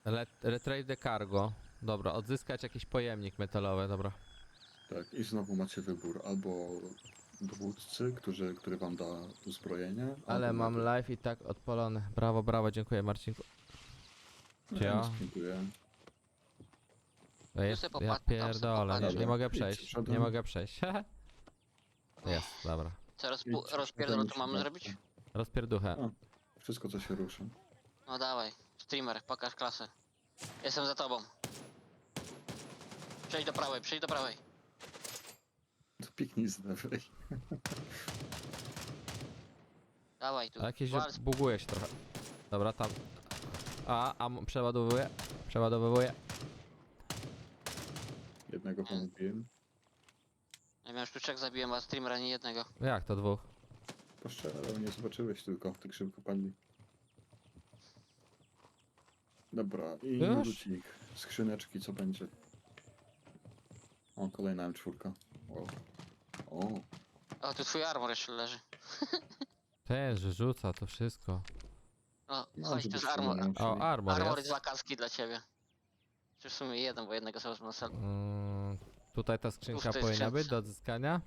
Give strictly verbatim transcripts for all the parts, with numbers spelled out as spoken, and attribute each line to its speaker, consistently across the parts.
Speaker 1: Let, retrade the cargo. Dobra, odzyskać jakiś pojemnik metalowy, dobra.
Speaker 2: Tak, i znowu macie wybór. Albo dowódcy, którzy, który wam da uzbrojenie,
Speaker 1: Ale
Speaker 2: albo
Speaker 1: mam
Speaker 2: medy.
Speaker 1: live i tak odpalony. Brawo, brawo, dziękuję Marcinku.
Speaker 2: No,
Speaker 1: Czy
Speaker 2: ja
Speaker 1: ja?
Speaker 2: nie dziękuję.
Speaker 1: Ja, jest,
Speaker 3: sobie
Speaker 1: ja
Speaker 3: popatrz- tam sobie
Speaker 1: pierdolę, nie,
Speaker 3: popatrz.
Speaker 1: nie mogę
Speaker 2: Dobra,
Speaker 1: przejść,
Speaker 2: idź przodem.
Speaker 1: nie mogę przejść. Jest, dobra.
Speaker 3: Co, rozpu-
Speaker 2: Idźcie
Speaker 3: rozpierdol
Speaker 2: przodem,
Speaker 3: to mamy
Speaker 2: idźcie
Speaker 3: zrobić?
Speaker 1: Rozpierduchę.
Speaker 2: A, wszystko co się ruszy.
Speaker 3: No dawaj, streamer, pokaż klasę. Jestem za tobą. Przejdź do prawej, przejdź do prawej.
Speaker 2: To piknij z lewej.
Speaker 3: Dawaj tu.
Speaker 1: A jakieś
Speaker 3: Wal,
Speaker 1: buguje się trochę. Dobra, tam. A, a m- przeładowuję. Przeładowuję.
Speaker 2: Jednego pomówiłem.
Speaker 3: ja miałem sztuczek, zabiłem, a streamera nie jednego.
Speaker 1: Jak to dwóch?
Speaker 2: Poszczelał, nie zobaczyłeś tylko, tak szybko padli. Dobra, i
Speaker 1: Już?
Speaker 2: lucik. Skrzyneczki, co będzie? O, kolejna M cztery. Wow. O,
Speaker 3: O, tu twój armor jeszcze leży.
Speaker 1: Ten, że rzuca to wszystko.
Speaker 3: No,
Speaker 2: no,
Speaker 3: chodź, to
Speaker 2: żeby
Speaker 3: jest
Speaker 2: się
Speaker 3: armor.
Speaker 2: nie musieli.
Speaker 1: O, armor
Speaker 3: Armor
Speaker 1: jest.
Speaker 3: jest wakancki dla ciebie. Czy w sumie jeden, bo jednego sobie na sal.
Speaker 1: Mm, tutaj ta skrzynka
Speaker 3: Uf, to jest
Speaker 1: powinna
Speaker 3: skrzynka.
Speaker 1: być do odzyskania.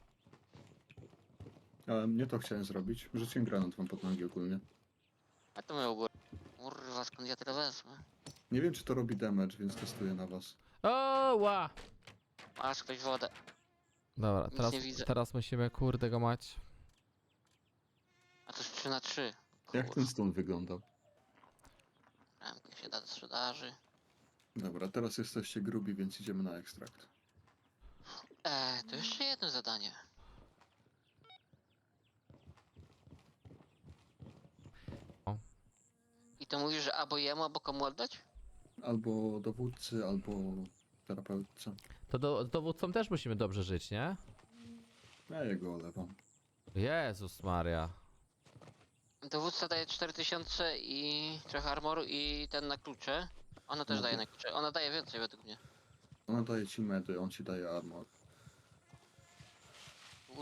Speaker 2: Ale nie to chciałem zrobić. Rzuciłem granat wam pod nogi ogólnie.
Speaker 3: A to my u góry. Kurwa, skąd ja tyle wezmę?
Speaker 2: Nie wiem, czy to robi damage, więc testuję na was.
Speaker 1: O, ła!
Speaker 3: Masz ktoś wodę.
Speaker 1: Dobra,
Speaker 3: Nic
Speaker 1: teraz,
Speaker 3: nie widzę.
Speaker 1: teraz musimy kurde go mać.
Speaker 3: A to jest trzy na trzy.
Speaker 2: Jak ten stun wyglądał?
Speaker 3: Ramkę się da do sprzedaży.
Speaker 2: Dobra, teraz jesteście grubi, więc idziemy na ekstrakt.
Speaker 3: Eee, to jeszcze jedno zadanie.
Speaker 1: O.
Speaker 3: I to mówisz, że albo jemu, albo komu oddać?
Speaker 2: Albo dowódcy, albo terapeutce.
Speaker 1: To do, z dowódcą też musimy dobrze żyć, nie?
Speaker 2: Ja jego olewam.
Speaker 1: Jezus Maria.
Speaker 3: Dowódca daje cztery tysiące i trochę armoru i ten na klucze. Ona też
Speaker 2: No to-
Speaker 3: daje na klucze. Ona daje więcej według mnie.
Speaker 2: Ona daje ci medy, on ci daje armor.